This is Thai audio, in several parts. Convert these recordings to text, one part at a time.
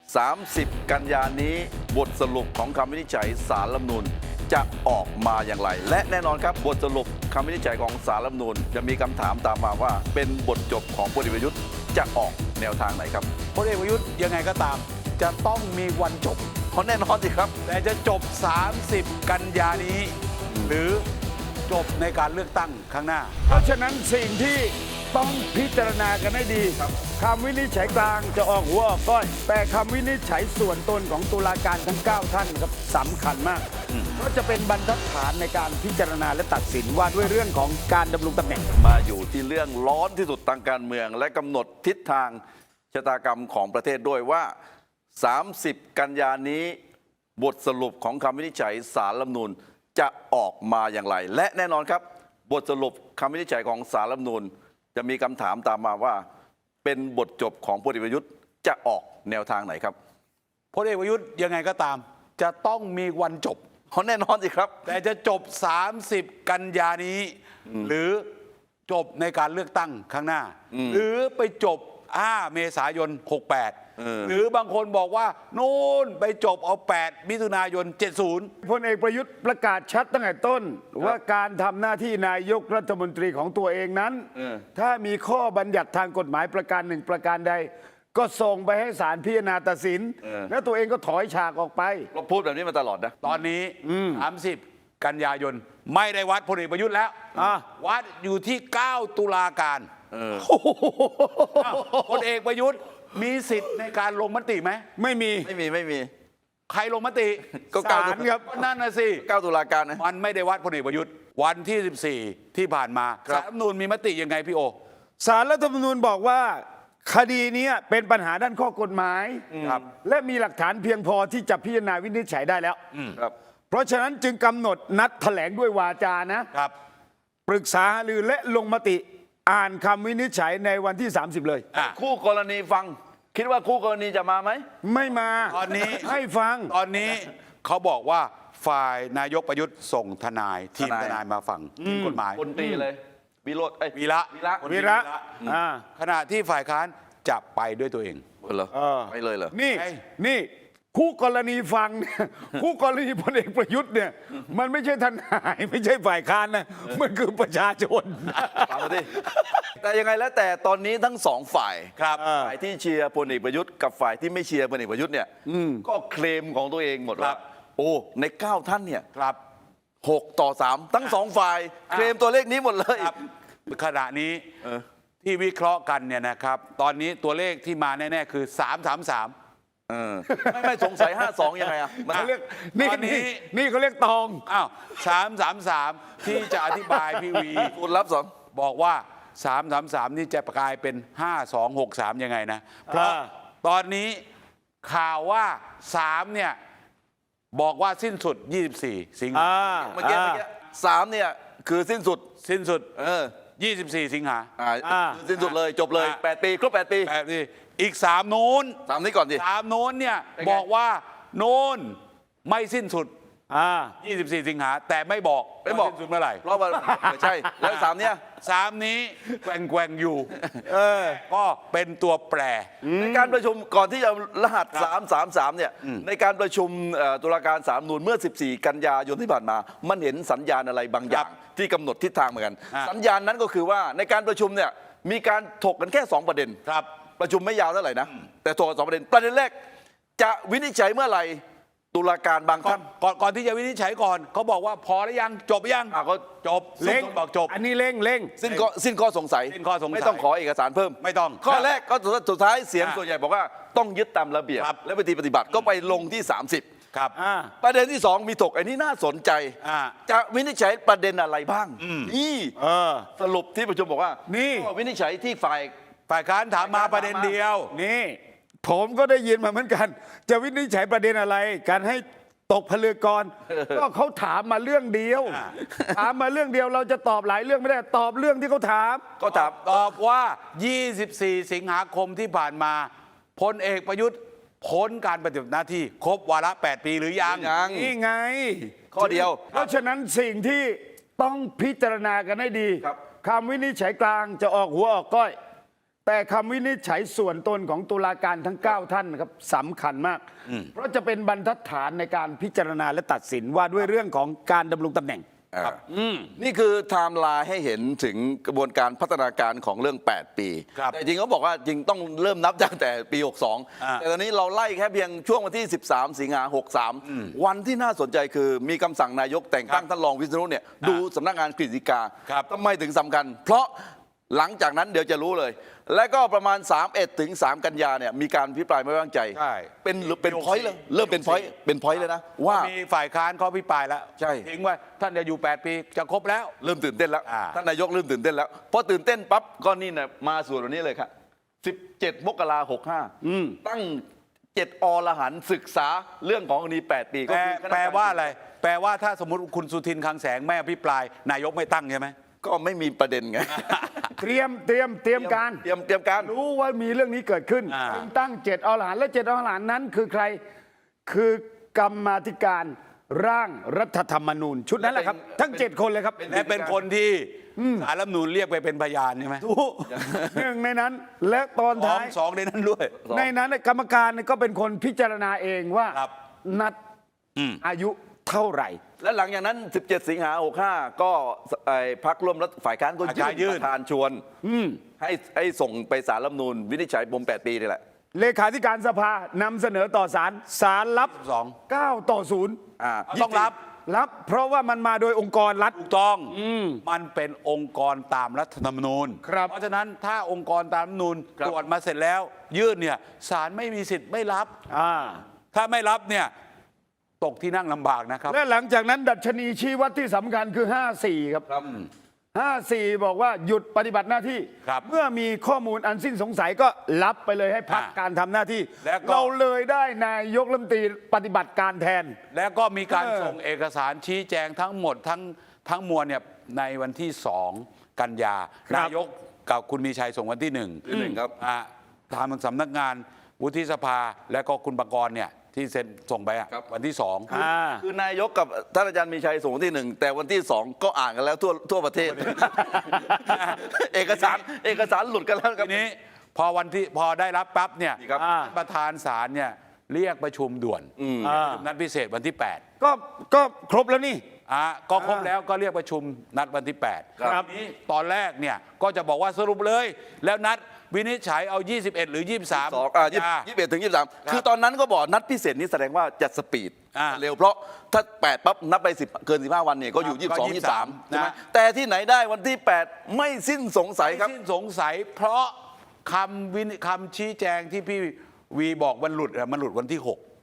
30 กันยานี้บทสรุปของคำวินิจฉัยศาลรัฐธรรมนูญจะออกมาอย่างไร และแน่นอนครับบทสรุปคำวินิจฉัยของศาลรัฐธรรมนูญจะมีคำถามตามมาว่าเป็นบทจบของพลเอกประยุทธ์จะออกแนวทางไหนครับพลเอกประยุทธ์ยังไงก็ตาม จะต้องมีวันจบเพราะแน่นอนสิครับแต่จะจบ 30 กันยานี้ หรือจบในการเลือกตั้งข้างหน้าเพราะฉะนั้นสิ่งที่ต้องพิจารณากันให้ดีคำวินิจฉัยกลางจะออกหัวออกก้อย แต่คำวินิจฉัยส่วนตนของตุลาการทั้ง 9 ท่านครับสำคัญมาก เพราะจะเป็นบรรทัดฐานในการพิจารณาและตัดสินว่าด้วยเรื่องของการดำรงตำแหน่งมาอยู่ที่เรื่องร้อนที่สุดทางการเมือง และกำหนดทิศทางชะตากรรมของประเทศด้วยว่า 30 กันยานี้บทสรุปของคำวินิจฉัยศาลรัฐธรรมนูญจะออกมาอย่างไร และแน่นอนครับบทสรุปคำวินิจฉัยของศาลรัฐธรรมนูญจะมีคำถามตามมาว่า เป็นบทจบของพลเอกประยุทธ์จะออกแนวทางไหนครับพลเอกประยุทธ์ยังไงก็ตาม จะต้องมีวันจบเพราะแน่นอนสิครับแต่จะจบ 30 กันยานี้ หรือจบในการเลือกตั้งข้างหน้า หรือไปจบ 5 เมษายน 68 หรือบางคนบอกว่านู่นไปจบเอา 8 มิถุนายน 70 พลเอกประยุทธ์ประกาศชัดตั้งแต่ต้น ว่าการทำหน้าที่นายกรัฐมนตรีของตัวเองนั้น ถ้ามีข้อบัญญัติทางกฎหมายประการหนึ่งประการใด ก็ส่งไปให้ศาลพิจารณาตัดสิน แล้วตัวเองก็ถอยฉากออกไปเราพูดแบบนี้มาตลอดนะตอนนี้ 30 กันยายน ไม่ได้วัดพลเอกประยุทธ์แล้ว วัดอยู่ที่ 9 ตุลาการอ้าวพลเอกประยุทธ์มีสิทธิ์ในการลงมติไหมไม่มีไม่มีใครลงมติก็ศาลครับนั่นน่ะสิ 9 ตุลาการนะมันไม่ได้วัดพลเอกประยุทธ์วันที่ 14 ที่ผ่านมาครับศาลรัฐธรรมนูญมีมติยังไงพี่โอศาลรัฐธรรมนูญบอกว่า คดีนี้เป็นปัญหาด้านข้อกฎหมายครับและมีหลักฐานเพียงพอที่จะพิจารณาวินิจฉัยได้แล้วครับเพราะฉะนั้นจึงกำหนดนัดแถลงด้วยวาจานะครับปรึกษาหารือและลงมติอ่านคำวินิจฉัยในวันที่ 30 เลยอ่ะคู่กรณีฟัง คิดว่าคู่กรณีจะมาไหมไม่มาตอนนี้ให้ฟังตอนนี้เขาบอกว่าฝ่ายนายกประยุทธ์ส่งทนาย ทีมทนายทนายมาฟังทีมกฎหมายคนตรีเลยวิโรจน์เอ้ยวีระวีระคนวีที่ระอ่าขณะที่ฝ่ายค้านจะไปด้วยตัวเองเหรอเออไม่เลยเหรอนี่ไอ้นี่คู่กรณีฟังเนี่ย คู่กรณีพลเอกประยุทธ์เนี่ยมันไม่ใช่ทนายไม่ใช่ฝ่ายค้านนะมันคือประชาชนฟังมาดิแต่ยังไงแล้วแต่ตอนนี้ทั้งสองฝ่ายครับฝ่ายที่เชียร์พลเอกประยุทธ์กับฝ่ายที่ไม่เชียร์พลเอกประยุทธ์เนี่ยก็เคลมของตัวเองหมดครัว่าบโอ้ใน 9 ท่านเนี่ยครับ 6-3ทั้งสองฝ่าย เคลมตัวเลขนี้หมดเลยครับขณะนี้เออที่วิเคราะห์กันเนี่ยนะครับ ตอนนี้ตัวเลขที่มาแน่ๆคือ 333 เออไม่สงสัย 52 ยังไงอ่ะมันเขาเรียกนี่ตอนนี้นี่เขาเรียกตองอ้าว333 ที่จะอธิบายพี่วีคุณรับสองบอกว่า 333 นี่จะกลายเป็น 5263 ยังไงนะ เพราะตอนนี้ข่าวว่า 3 เนี่ย บอกว่าสิ้นสุด 24 สิงหาเมื่อกี้3เนี่ยคือสิ้นสุดสิ้นสุด 24 สิงหาคือสิ้นสุดเลยจบเลย 8 ปีครบ 8 ปีแบบนี้อีก 3 นู้น 3นี้ก่อนดิ 3 นู้นเนี่ยเป็นไงบอกว่าโน้นไม่สิ้นสุดอ่า 24 สิงหาแต่ไม่บอกไม่บอกว่าสิ้นสุดเมื่อไหร่เพราะว่าไม่ใช่แล้ว3เนี่ย 3 นี้แกว่งๆอยู่เออก็เป็นตัวแปรในการประชุมก่อนที่จะรหัส 333 เนี่ยในการประชุมตุลาการสาลรฐธรรมนูญเมื่อ 14 กันยายนที่ผ่านมา มันเห็นสัญญาณอะไรบางอย่าง ที่กำหนดทิศทางเหมือนกัน สัญญาณนั้นก็คือว่าในการประชุมเนี่ยมีการถกกันแค่ 2 ประเด็นครับประชุมไม่ยาวเท่าไหร่นะ แต่ถกกัน2 ประเด็น ประเด็นแรกจะวินิจฉัยเมื่อไหร่ตุลาการบางท่านก่อนที่จะวินิจฉัยก่อนเขาบอกว่าพอหรือยังจบหรือยังก็จบเร่งบอกจบอันนี้เร่งเร่งสิ้นข้อสงสัยสิ้นข้อสงสัยไม่ต้องขอเอกสารเพิ่มไม่ต้องข้อแรกก็สุดท้ายเสียงอ่ะส่วนใหญ่บอกว่าต้องยึดตามระเบียบครับและปฏิบัติก็ไปลงที่ 30 ครับอ่าประเด็นที่ 2 มีถกอันนี้น่าสนใจอ่าจะวินิจฉัยประเด็นอะไรบ้างนี่เออสรุปที่ประชุมบอกว่านี่ก็วินิจฉัยที่ฝ่ายฝ่ายค้านถามมาประเด็นเดียวนี่ผมก็ได้ยินมาเหมือนกัน จะวินิจฉัยประเด็นอะไร การให้ตกผลึกก่อน ก็เขาถามมาเรื่องเดียว ถามมาเรื่องเดียวเราจะตอบหลายเรื่องไม่ได้ตอบเรื่องที่เขาถามก็ถามตอบว่า 24 สิงหาคมที่ผ่านมาพลเอกประยุทธ์พ้นการปฏิบัติหน้าที่ครบวาระ 8 ปีหรือยังยังนี่ไงข้อเดียวเพราะฉะนั้นสิ่งที่ต้องพิจารณากันให้ดีครับคำวินิจฉัยกลางจะออกหัวออกก้อยแต่คำวินิจฉัยส่วนตนของตุลาการทั้ง 9 ท่านนะครับสำคัญมาก เพราะจะเป็นบรรทัดฐานในการพิจารณาและตัดสินว่าด้วยเรื่องของการดำรงตำแหน่งครับนี่คือไทม์ไลน์ให้เห็นถึงกระบวนการพัฒนาการของเรื่อง 8 ปีครับแต่จริงเขาบอกว่าจริงต้องเริ่มนับตั้งแต่ปี 62 แต่ตอนนี้เราไล่แค่เพียงช่วงวันที่ 13 สิงหา63 วันที่น่าสนใจคือมีคำสั่งนายกแต่งตั้งท่านรองวิษณุเนี่ยดูสำนักงานกฤษฎีกาครับทำไมถึงสำคัญ เพราะหลังจากนั้นเดี๋ยวจะรู้เลย และก็ประมาณ 31 ถึง 3 กันยาเนี่ยมีการพิปรายไม่ไว้วางใจใช่เป็นพอยต์เลยเริ่มเป็นพอยต์เลยนะว่ามีฝ่ายค้านเขาพิปรายแล้วใช่ทิ้งไว้ท่านจะอยู่ 8 ปีจะครบแล้วเริ่มตื่นเต้นแล้วอ่าท่านนายกเริ่มตื่นเต้นแล้วพอตื่นเต้นปั๊บก็นี่นะมาส่วนวันนี้เลยครับ17 มกราคม 65ตั้ง7 อรหันต์ศึกษาเรื่องของคดี 8 ปีก็คือคณะกรรมการแปลว่าอะไร แปลว่าถ้าสมมติคุณสุทินคลังแสงไม่อภิปรายนายกไม่ตั้งใช่ไหมก็ไม่มีประเด็นไงเตรียมการเตรียมการรู้ว่ามีเรื่องนี้เกิดขึ้นอ่าจึงตั้ง7 อรหันต์และ7 อรหันต์นั้นคือใครคือกรรมาธิการร่างรัฐธรรมนูญชุดนั้นแหละครับ ทั้ง 7 คนเลยครับและเป็นคนที่สารรัฐธรรมนูญเรียกไปเป็นพยานใช่ไหมถูกหนึ่งในนั้นและตอนท้ายสองในนั้นด้วยในนั้นกรรมการก็เป็นคนพิจารณาเองว่าครับนัดอายุเท่าไหร่และหลังจากนั้น 17 สิงหา65 ก็พรรคร่วมรัฐฝ่ายค้านก็ฝ่ายค้านยื่ยื่นนประธานชวนให้ส่งไปศาลรัฐธรรมนูญวินิจฉัยปม 8 ปีนี่แหละเลขาธิการสภานำเสนอต่อศาลศาลรับ 9 ต่อ 0 ต้องรับรับเพราะว่ามันมาโดยองค์กรรัฐถูกต้องมันเป็นองค์กรตามรัฐธรรมนูญครับเพราะฉะนั้นถ้าองค์กรตามรัฐธรรมนูญครับตรวจมาเสร็จแล้ว ยื่นเนี่ยศาลไม่มีสิทธิ์ไม่รับอ่าถ้าไม่รับเนี่ยตกที่นั่งลำบากนะครับและหลังจากนั้นดัชนีชี้วัดที่สำคัญคือ 54 ครับ 54 บอกว่าหยุดปฏิบัติหน้าที่ครับเมื่อมีข้อมูลอันสิ้นสงสัยก็รับไปเลยให้พักการทำหน้าที่แล้วก็เราเลยได้นายกรัฐมนตรีปฏิบัติการแทนแล้วก็มีการเออส่งเอกสารชี้แจงทั้งหมดทั้งมวลเนี่ยในวันที่ 2 กันยา นายกกับคุณมีชัยส่งวันที่ 1 ครับทางสำนักงานวุฒิสภา และก็คุณปกรณ์เนี่ยที่เซ็นส่งไปอะครับวันที่ 2 คือนายกกับท่านอาจารย์มีชัยส่งวันที่ 1 แต่วันที่ 2 ก็อ่านกันแล้วทั่วประเทศ เอกสารหลุดกันแล้วครับทีนี้พอได้รับปั๊บเนี่ยครับประธานศาลเนี่ยเรียกประชุมด่วนนัดพิเศษวันที่ 8 ก็ครบแล้วนี่ก็ครบแล้วก็เรียกประชุมนัดวันที่ 8 ครับทีนี้ตอนแรกเนี่ยก็จะบอกว่าสรุปเลย แล้วนัดวินิจฉัยเอา 21 หรือ 23 21 ถึง 23 คือตอนนั้นก็บอกนัดพิเศษนี้แสดงว่าจะสปีด เร็วเพราะถ้า 8 ปั๊บ นับไป10เกิน 15 วันเนี่ยก็อยู่ก็ 22 23 ใช่ไหมนะแต่ที่ไหนได้วันที่ 8 ไม่สิ้นสงสัยครับสิ้นสงสัยเพราะคำชี้แจงที่พี่วีบอกมันหลุดวันที่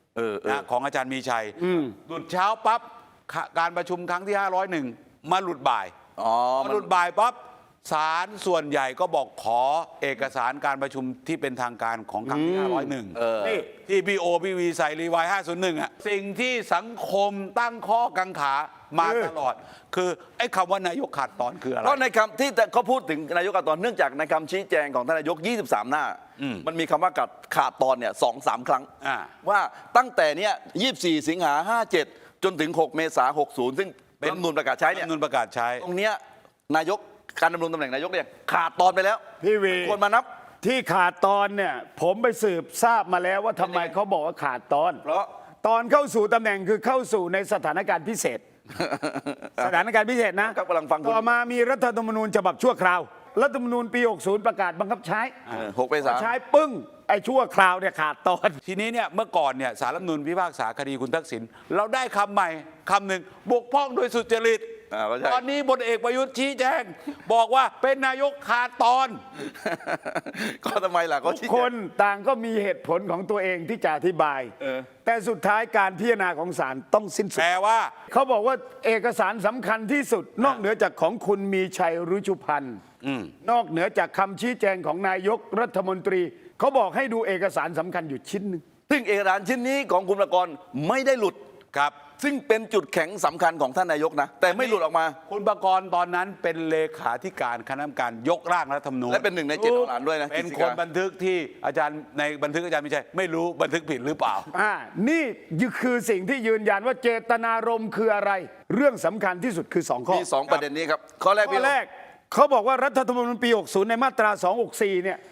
6 นะของอาจารย์มีชัยหลุดเช้าปั๊บการประชุมครั้งที่ 501 มาหลุดบ่าย มาหลุดบ่ายปั๊บศาลส่วนใหญ่ก็บอกขอเอกสารการประชุมที่เป็นทางการของครั้งที่ 501 นี่ที่พี่วีใส่รีวาย 501 อ่ะสิ่งที่สังคมตั้งข้อกังขามาตลอด คือไอ้คำว่านายกขาดตอนคืออะไรเพราะในคำที่เขาพูดถึงนายกขาดตอนเนื่องจากในคำชี้แจงของท่านนายก 23 หน้า มันมีคำว่าขาดตอนเนี่ย 2-3 ครั้ง ว่าตั้งแต่เนี้ย24 สิงหา 57 จนถึง 6 เมษายน 60 ซึ่งเป็นรัฐธรรมนูญประกาศใช้เนี่ยรัฐธรรมนูญประกาศใช้ตรงเนี้ยนายกการดำรงตำแหน่งนายกเนี่ยขาดตอนไปแล้วพี่วีควรมานับที่ขาดตอนเนี่ยผมไปสืบทราบมาแล้วว่าทำไมเขาบอกว่าขาดตอนเพราะตอนเข้าสู่ตำแหน่งคือเข้าสู่ในสถานการณ์พิเศษ สถานการณ์พิเศษนะครับกำลังฟังคุณต่อมามีรัฐธรรมนูญฉบับชั่วคราว รัฐธรรมนูญปี 60 ประกาศบังคับใช้ 6 เมษายนใช้ปึ้งไอ้ชั่วคราวเนี่ยขาดตอนทีนี้เนี่ยเมื่อก่อนเนี่ยสารรัฐธรรมนูญพิพากษาคดีคุณทักษิณเราได้คำใหม่คำหนึ่งบกพร่องโดยสุจริตก็ใช่ตอนนี้พลเอกประยุทธ์ชี้แจง บอกว่าเป็นนายกขาดตอนก็ทำไมล่ะก็ทุชี้กแจคงนต่างก็มีเหตุผลของตัวเองที่จะอธิบาย แต่สุดท้ายการพิจารณาของศาลต้องสิ้นสุดแปลว่าเขาบอกว่าเอกสารสำคัญที่สุด นอกเหนือจากของคุณมีชัยรุชุพันธ์นอกเหนือจากคำชี้แจงของนายกรัฐมนตรี เขาบอกให้ดูเอกสารสำคัญอยู่ชิ้นหนึ่งซึ่งเอกสารชิ้นนี้ของคุณประกรณ์ไม่ได้หลุดครับซึ่งเป็นจุดแข็งสำคัญของท่านนายกนะ แต่ไม่หลุดออกมาคุณประกรณ์ตอนนั้นเป็นเลขาธิการคณะกรรมการยกร่างรัฐธรรมนูญและเป็นหนึ่งใน7 อรหันต์ด้วยนะเป็นคนบันทึกที่อาจารย์ในบันทึกอาจารย์ไม่ใช่ไม่รู้บันทึกผิดหรือเปล่านี่คือสิ่งที่ยืนยันว่าเจตนารมณ์คืออะไร เรื่องสำคัญที่สุดคือ2 ข้อมี 2 ประเด็นนี้ครับ ข้อแรกข้พี่อแรกเขาบอกว่ารัฐธรรมนูญปี 60 ในมาตรา 264 เนี่ย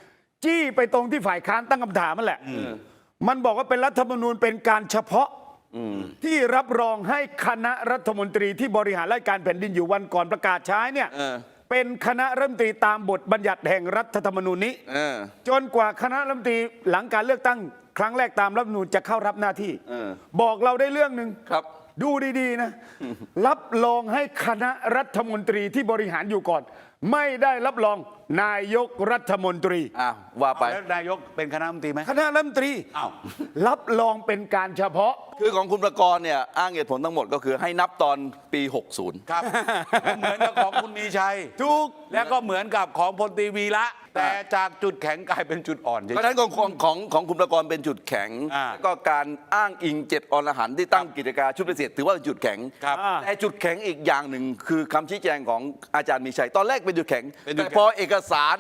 จี้ไปตรงที่ฝ่ายค้านตั้งคำถามนั่นแหละมันบอกว่าเป็นรัฐธรรมนูญเป็นการเฉพาะที่รับรองให้คณะรัฐมนตรีที่บริหารราชการแผ่นดินอยู่วันก่อนประกาศใช้เนี่ยเป็นคณะรัฐมนตรีตามบทบัญญัติแห่งรัฐธรรมนูญนี้จนกว่าคณะรัฐมนตรีหลังการเลือกตั้งครั้งแรกตามรัฐธรรมนูญจะเข้ารับหน้าที่บอกเราได้เรื่องหนึ่งครับดูดีๆนะ รับรองให้คณะรัฐมนตรีที่บริหารอยู่ก่อน ไม่ได้รับรองนายกรัฐมนตรีอ้าวว่าไปแล้วนายกเป็นคณะรัฐมนตรีไหมคณะรัฐมนตรีอ้าวรับรองเป็นการเฉพาะคือของคุณประกรณ์เนี่ยอ้างเหตุผลทั้งหมดก็คือให้นับตอนปี 60 ครับ เหมือนกับของคุณมีชัยถูกแล้วก็เหมือนกับของพลตรีวีระแต่จากจุดแข็งกลายเป็นจุดอ่อนเฉยเพราะฉะนั้นของคุณประกรณ์เป็นจุดแข็ง แล้วก็การอ้างอิง7อรหันต์ที่ตั้งกิจการชุดพิเศษถือว่าเป็นจุดแข็งครับแต่จุดแข็งอีกอย่างหนึ่งคือคำชี้แจงของอาจารย์มีชัยตอนแรกเป็นจุดแข็งเป็นจุดแต่แข็งพอเอกสาร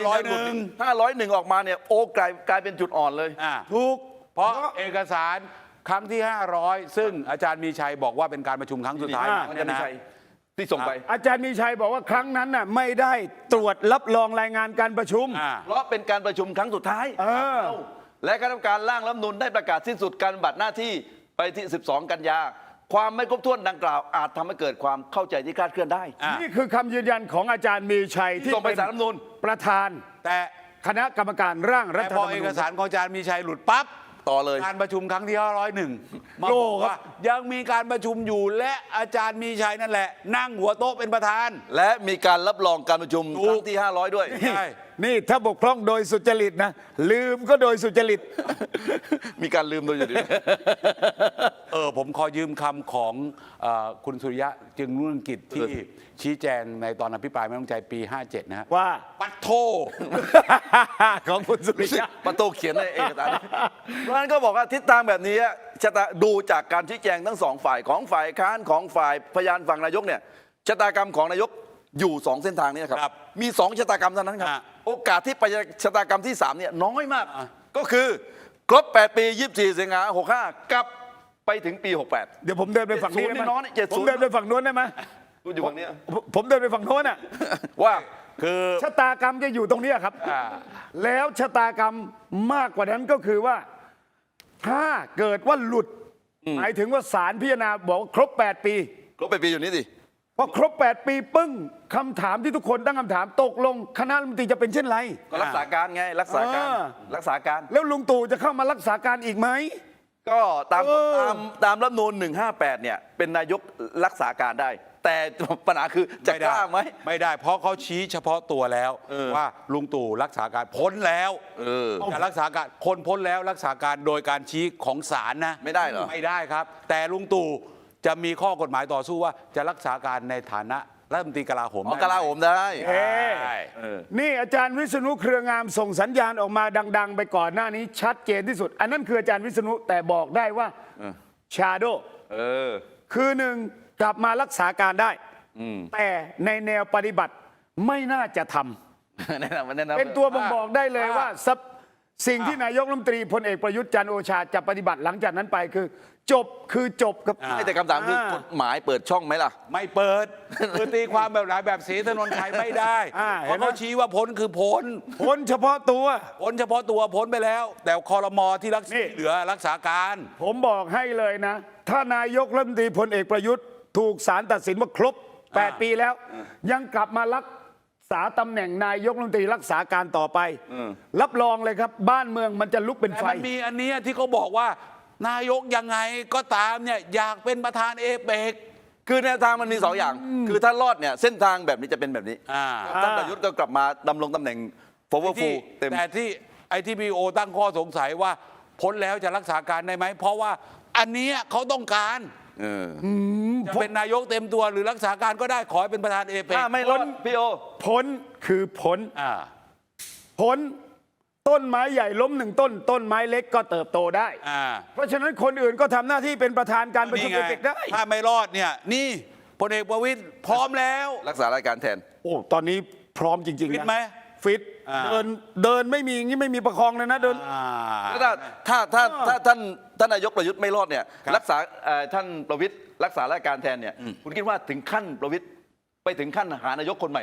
501 501 ออกมาเนี่ยโอ้กลายเป็นจุดอ่อนเลยถูกเพราะเอกสารครั้งที่ 500 ซึ่งอาจารย์มีชัยบอกว่าเป็นการประชุมครั้งสุดท้ายอาจารย์มีชัยที่ส่งไปอาจารย์มีชัยบอกว่าครั้งนั้นน่ะไม่ได้ตรวจรับรองรายงานการประชุมเพราะเป็นการประชุมครั้งสุดท้าย และคณะกรรมการร่างรัฐธรรมนูญได้ประกาศสิ้นสุดการปฏิบัติหน้าที่ไปที่ 12 กันยา ความไม่ครบถ้วนดังกล่าวอาจทำให้เกิดความเข้าใจที่คลาดเคลื่อนได้นี่คือคำยืนยันของอาจารย์มีชัยที่ส่งไปเป็นศาลรัฐธรรมนูญประธานแต่คณะกรรมการร่างรัแต่ฐธพรอรมเอนูกญสารของอาจารย์มีชัยหลุดปั๊บต่อเลยการประชุมครั้งที่ 501 มาโล่บอกครับว่ายังมีการประชุมอยู่และอาจารย์มีชัยนั่นแหละ นั่งหัวโต๊ะเป็นประธานและมีการรับรองการประชุมครั้งที่ 500 ด้วยใช่นี่ถ้าบกพร่องโดยสุจริตนะ ลืมก็โดยสุจริตมีการลืมโดยอยู่ดีผมขอยืมคำของคุณสุริยะจึงรุ่งเรืองกิจที่ชี้แจงในตอนอภิปรายไม่ต้องใจปี 57 นะฮะว่าปัดโทของคุณสุริยะประตูเขียนในเอกสารเพราะฉะนั้นก็บอกว่าทิศทางแบบนี้ชะตาดูจากการชี้แจงทั้งสองฝ่ายของฝ่ายค้านของฝ่ายพยานฝั่งนายกเนี่ยชะตากรรมของนายกอยู่สองเส้นทางนี้ครับมีสองชะตากรรมเท่านั้นครับโอกาสที่ไปชะตากรรมที่3เนี่ยน้อยมากก็คือครบ8 ปี24 สิงหา65กลับไปถึงปี 68 เดี๋ยวผมเดินไปฝั่งนี้ได้ไหม 70น้อยๆ70 ผมเดินไปฝั่งโน้นได้ไหมพูดอยู่ฝั่งนี้ผมเดินไปฝั่งโน้นอ่ะว่าคือชะตากรรมจะอยู่ตรงเนี้ยครับ แล้วชะตากรรมมากกว่านั้นก็คือว่า ถ้าเกิดว่าหลุด หมายถึงว่าศาลพิจารณาบอกว่าครบ 8 ปีครบ8 ปีอยู่นี่สิพอครบ 8 ปีปึ้งคำถามที่ทุกคนตั้งคำถามตกลงคณะรัฐมนตรีจะเป็นเช่นไรก็รักษาการไงรักษาการรักษาการแล้วลุงตู่จะเข้ามารักษาการอีกไหมก็ตามรัฐธรรมนูญ158เนี่ยเป็นนายกรักษาการได้ แต่ปัญหาคือจะกล้าไหมไม่ได้ เพราะเขาชี้เฉพาะตัวแล้วว่าลุงตู่รักษาการพ้นแล้วจะรักษาการคนพ้นแล้วรักษาการโดยการชี้ของศาลนะไม่ได้เหรอไม่ได้ครับ แต่ลุงตู่จะมีข้อกฎหมายต่อสู้ว่าจะรักษาการในฐานะรัฐมนตรีกลาโหมอ๋อได้กลาโหมได้ได้นี่อาจารย์วิษณุเครืองามส่งสัญญาณออกมาดัง ๆ ไปก่อนหน้านี้ชัดเจนที่สุด อันนั้นคืออาจารย์วิษณุแต่บอกได้ว่าชาโด คือหนึ่งกลับมารักษาการได้แต่ในแนวปฏิบัติไม่น่าจะทำแนะนำเป็นตัวบ่งบอกได้เลยว่าสิ่งที่นายกรัฐมนตรีพลเอกประยุทธ์จันทร์โอชาจะปฏิบัติหลังจากนั้นไปคือ จบครับไม่แต่คำถามคือกฎหมายเปิดช่องไหมล่ะไม่เปิด คือตีความแบบไหนแบบศรีถนนชัยไม่ได้เพราะเขาชี้ว่าพ้นคือพ้นพ้นเฉพาะตัวพ้นเฉพาะตัวพ้นไปแล้ว แต่คอรมอที่รักษานี่เหลือรักษาการผมบอกให้เลยนะ ถ้านายกรัฐมนตรีพลเอกประยุทธ์ถูกศาลตัดสินว่าครบ 8 ปีแล้ว ยังกลับมารักษาตำแหน่งนายกรัฐมนตรีรักษาการต่อไป รับรองเลยครับ บ้านเมืองมันจะลุกเป็นแต่ไฟมันมีอันเนี้ยที่เขาบอกว่า นายกยังไงก็ตามเนี่ยอยากเป็นประธานเอเปกคือแนวทางมันมี2อย่าง คือถ้ารอดเนี่ยเส้นทางแบบนี้จะเป็นแบบนี้ท่านประยุทธ์ก็กลับมาดำรงตำแหน่ง powerful เต็มแต่ที่ไอทีพีโอตั้งข้อสงสัยว่าพ้นแล้วจะรักษาการได้ไหม เพราะว่าอันเนี้ยเขาต้องการจะเป็นนายกเต็มตัวหรือรักษาการก็ได้ขอให้เป็นประธานเอเปกถ้าไม่รอดพี่โอพ้นคือพ้นพ้นต้นไม้ใหญ่ล้มหนึ่งต้น ต้นไม้เล็กก็เติบโตได้ เพราะฉะนั้นคนอื่นก็ทำหน้าที่เป็นประธานการประชุมนี่เอไงเปกได้ถ้าไม่รอดเนี่ยนี่พลเอกประวิตรพร้อมแล้วรักษารายการแทนโอ้ตอนนี้พร้อมจริงๆฟิตนะไหมฟิตเดินไม่มีอย่างนี้ไม่มีประคองเลยนะเดินแล้วถ้าท่านนายกประยุทธ์ไม่รอดเนี่ยรักษาท่านประวิตรรักษารายการแทนเนี่ยคุณคิดว่าถึงขั้นประวิตรไปถึงขั้นหานายกคนใหม่ไหม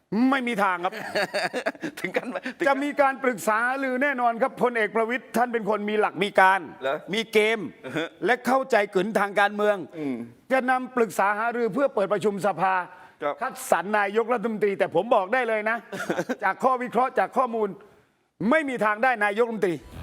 ไม่มีทางครับถึงกันไหมถึงจะมีการปรึกษาหรือแน่นอนครับพลเอกประวิตยท่านเป็นคนมีหลักมีการเหรอมีเกม และเข้าใจกึนทางการเมือง จะนำปรึกษาหารือเพื่อเปิดประชุมสภาครับคัดสรรนายกรัฐมนตรี แต่ผมบอกได้เลยนะ จากข้อวิเคราะห์จากข้อมูล ไม่มีทางได้นายกรัฐมนตรี